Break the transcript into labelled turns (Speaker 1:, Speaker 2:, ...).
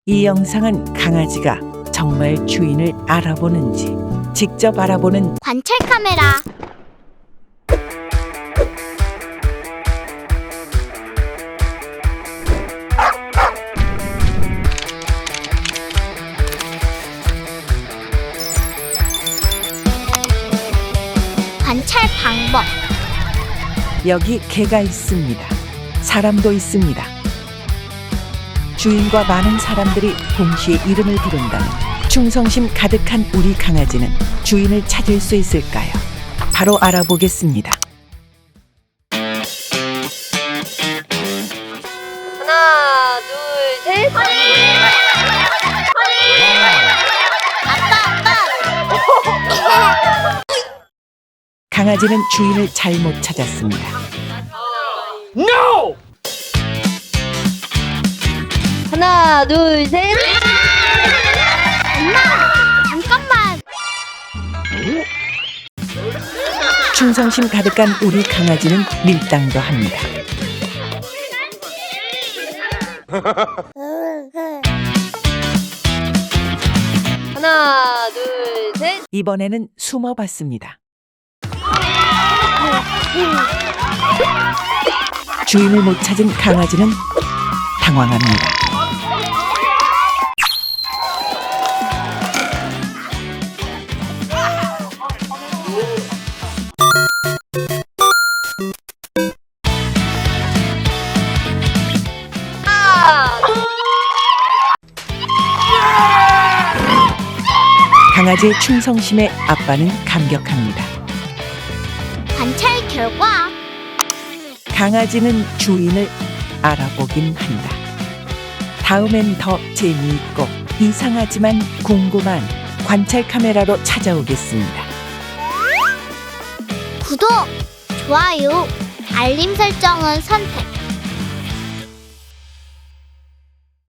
Speaker 1: 이 영상은 강아지가 정말 주인을 알아보는지 직접 알아보는
Speaker 2: 관찰 카메라. 관찰 방법.
Speaker 1: 여기 개가 있습니다. 사람도 있습니다. 주인과 많은 사람들이 동시에 이름을 부른다면 충성심 가득한 우리 강아지는 주인을 찾을 수 있을까요? 바로 알아보겠습니다.
Speaker 3: 하나, 둘, 셋.
Speaker 1: 강아지는 주인을 잘못 찾았습니다.
Speaker 4: No!
Speaker 3: 하나, 둘, 셋.
Speaker 2: 엄마, 잠깐만.
Speaker 1: 충성심 가득한 우리 강아지는 밀당도 합니다.
Speaker 3: 하나, 둘, 셋.
Speaker 1: 이번에는 숨어봤습니다. 주인을 못 찾은 강아지는 당황합니다. 강아지의 충성심에 아빠는 감격합니다.
Speaker 2: 관찰 결과.
Speaker 1: 강아지는 주인을 알아보긴 한다. 다음엔 더 재미있고 이상하지만 궁금한 관찰 카메라로 찾아오겠습니다.
Speaker 2: 구독, 좋아요, 알림 설정은 선택.